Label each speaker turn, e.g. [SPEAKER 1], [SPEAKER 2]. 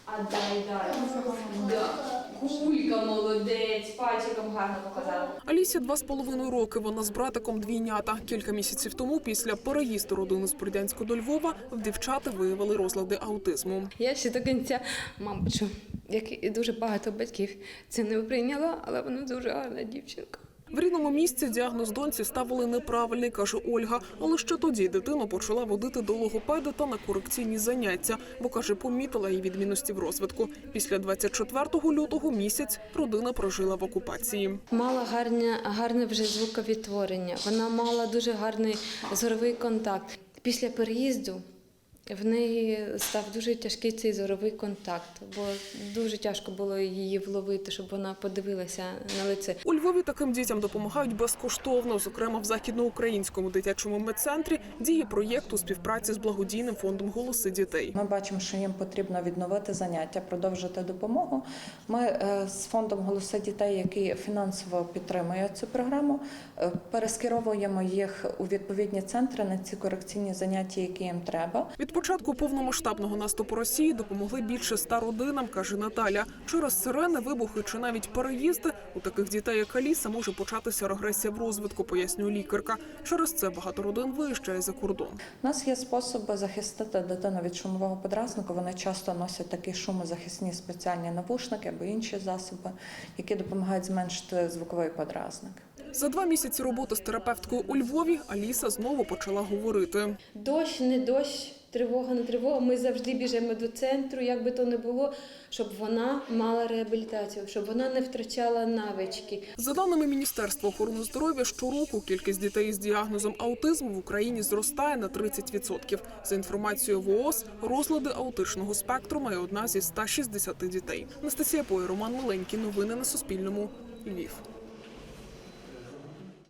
[SPEAKER 1] Кулька, молодець, пальчиком гарно показала.
[SPEAKER 2] Алісі 2,5 роки. Вона з братиком двійнята. Кілька місяців тому, після переїзду родини з Бердянська до Львова, в дівчати виявили розлади аутизму.
[SPEAKER 3] Я ще до кінця, мабуть, що, як і дуже багато батьків, це не прийняла, але вона дуже гарна дівчинка.
[SPEAKER 2] В рідному місці діагноз доньці ставили неправильний, каже Ольга. Але ще тоді дитину почала водити до логопеда та на корекційні заняття, бо, каже, помітила її відмінності в розвитку. Після 24 лютого місяць родина прожила в окупації.
[SPEAKER 3] Мала гарне вже звуковідтворення, вона мала дуже гарний зоровий контакт. Після переїзду в неї став дуже тяжкий цей зоровий контакт, бо дуже тяжко було її вловити, щоб вона подивилася на лице.
[SPEAKER 2] У Львові таким дітям допомагають безкоштовно. Зокрема, в Західноукраїнському дитячому медцентрі діє проєкт у співпраці з благодійним фондом «Голоси дітей».
[SPEAKER 4] Ми бачимо, що їм потрібно відновити заняття, продовжити допомогу. Ми з фондом «Голоси дітей», який фінансово підтримує цю програму, перескеровуємо їх у відповідні центри на ці корекційні заняття, які їм треба.
[SPEAKER 2] Від початку повномасштабного наступу Росії допомогли більше 100 родинам, каже Наталя. Через сирени, вибухи чи навіть переїзди у таких дітей, як Аліса, може початися регресія в розвитку, пояснює лікарка. Через це багато родин виїжджає за кордон.
[SPEAKER 4] У нас є способи захистити дитину від шумового подразнику. Вони часто носять такі шумозахисні спеціальні навушники або інші засоби, які допомагають зменшити звуковий подразник.
[SPEAKER 2] За 2 місяці роботи з терапевткою у Львові Аліса знову почала говорити.
[SPEAKER 3] Дощ, не дощ, тривога, не тривога. Ми завжди біжимо до центру, як би то не було, щоб вона мала реабілітацію, щоб вона не втрачала навички.
[SPEAKER 2] За даними Міністерства охорони здоров'я, щороку кількість дітей з діагнозом аутизму в Україні зростає на 30%. За інформацією ВООЗ, розлади аутичного спектру має одна зі 160 дітей. Анастасія Пой, Роман Миленький. Новини на Суспільному. Львів.